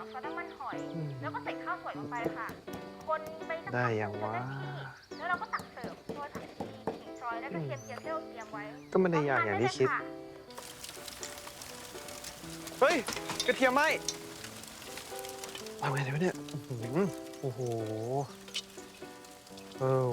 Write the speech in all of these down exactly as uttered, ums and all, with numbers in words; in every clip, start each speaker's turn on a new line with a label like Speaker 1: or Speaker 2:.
Speaker 1: ซอสน้ำมันหอยแล้วก็ใส่ข้าวสวยลงไปค่ะคนไปสักพัก
Speaker 2: ได้ยังวะ
Speaker 1: แล้วเราก็ตักเสิร์ฟโรยผักชีขิงซอยและกระเทียมเจียวที่เราเตรียมไว้
Speaker 2: ก็ไม่ได้ยากอย่างที่คิด เฮ้ย กระเทียมไหมวางไงวะเนี่ยโอ้โหเออ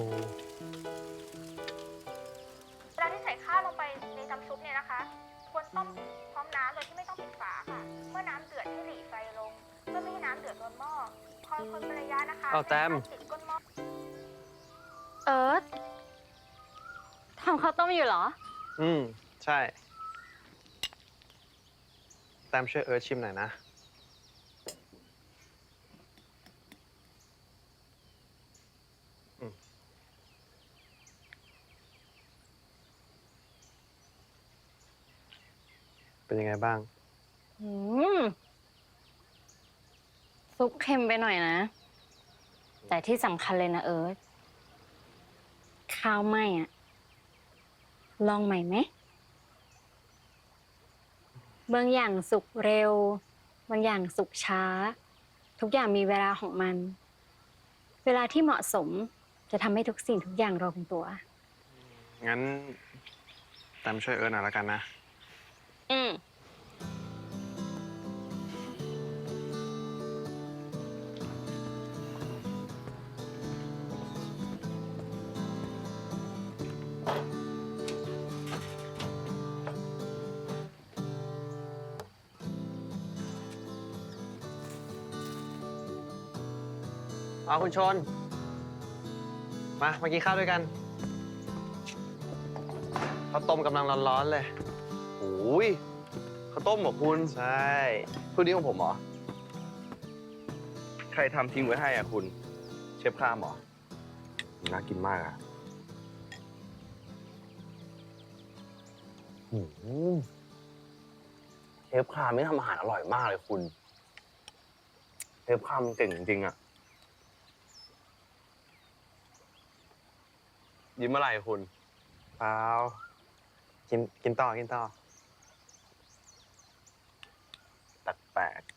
Speaker 1: เวลาที่ใส่ข้าวลงไปในน้ำซุปเนี่ยนะคะควรต้มพร้อมน้ำโดยที่ไม่ต้องปิดฝาค่ะ เมื่อน้ำเดือดให้หลีไฟลงเพื่อไม่ให้น้ำเดือดล้นหม้อคอยคนเป็นระยะนะคะ
Speaker 2: เอาแต้ม
Speaker 1: ติดก้นหม้อ
Speaker 3: เอิร์ธทำข้าวต้มอยู่เหรอ
Speaker 2: อืม ใช่ แต้มช่วยเอิร์ธชิมหน่อยนะ เป็นยังไงบ้าง
Speaker 3: อืม ซุปเค็มไปหน่อยนะ แต่ที่สำคัญเลยนะเอิร์ธข้าวไหม้อะลองใหม่ไหมบางอย่างสุกเร็ว บางอย่างสุกช้า ทุกอย่างมีเวลาของมัน เวลาที่เหมาะสมจะทำให้ทุกสิ่งทุกอย่างลงตัว
Speaker 2: งั้นแต้มช่วยเอิร์ธหน่อยแล้วกันนะ
Speaker 3: อืม
Speaker 2: เอาคุณชน มา มากินข้าวด้วยกันข้าวต้มกำลังร้อนๆเลย
Speaker 4: โอ้ยข้าวต้มเหรอคุณ
Speaker 2: ใช่
Speaker 4: พูดนี้ของผมเหรอ ใครทำทิ้งไว้ให้อ่ะคุณ เชฟข้ามเหรอ น่ากินมากอ่ะหืมเชฟข้ามไม่ทำอาหารอร่อยมากเลยคุณ เชฟข้ามเก่งจริงๆอ่ะ ยิ้มอะไรคุณ
Speaker 2: เปล่า กิน กินต่อ กินต่อ
Speaker 4: แปลก